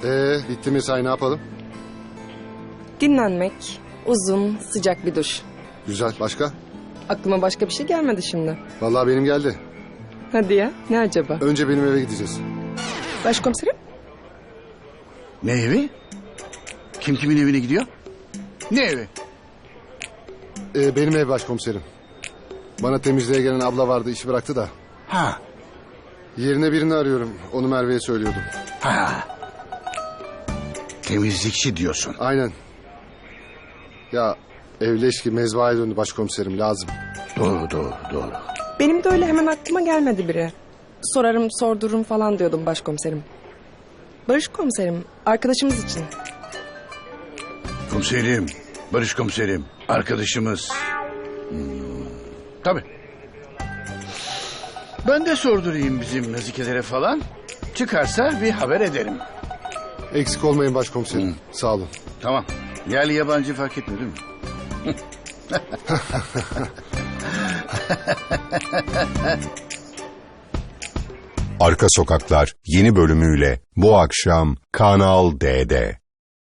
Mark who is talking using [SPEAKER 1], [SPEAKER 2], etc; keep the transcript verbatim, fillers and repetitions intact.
[SPEAKER 1] Ee, bitti mesai, ne yapalım?
[SPEAKER 2] Dinlenmek, uzun, sıcak bir duş.
[SPEAKER 1] Güzel, başka?
[SPEAKER 2] Aklıma başka bir şey gelmedi şimdi.
[SPEAKER 1] Vallahi benim geldi.
[SPEAKER 2] Hadi ya, ne acaba?
[SPEAKER 1] Önce benim eve gideceğiz.
[SPEAKER 2] Başkomiserim?
[SPEAKER 3] Ne evi? Kim kimin evine gidiyor? Ne evi?
[SPEAKER 1] Ee, benim ev başkomiserim. Bana temizliğe gelen abla vardı, işi bıraktı da.
[SPEAKER 3] Ha,
[SPEAKER 1] Yerine birini arıyorum. Onu Merve'ye söylüyordum.
[SPEAKER 3] ha. Temizlikçi diyorsun.
[SPEAKER 1] Aynen. Ya evleş ki mezbahaya döndü başkomiserim, lazım.
[SPEAKER 3] Doğru, doğru, doğru.
[SPEAKER 2] Benim de öyle hemen aklıma gelmedi biri. Sorarım, sordururum falan diyordum başkomiserim. Barış komiserim, arkadaşımız için.
[SPEAKER 3] Komiserim, Barış komiserim, arkadaşımız. Hmm, tabii. Ben de sordurayım bizim nazikelere falan. Çıkarsa bir haber ederim.
[SPEAKER 1] Eksik olmayın başkomiserim.
[SPEAKER 3] Hı.
[SPEAKER 1] Sağ olun.
[SPEAKER 3] Tamam. Yerli yabancı fark etmiyor değil mi?
[SPEAKER 4] Arka Sokaklar yeni bölümüyle bu akşam Kanal D'de.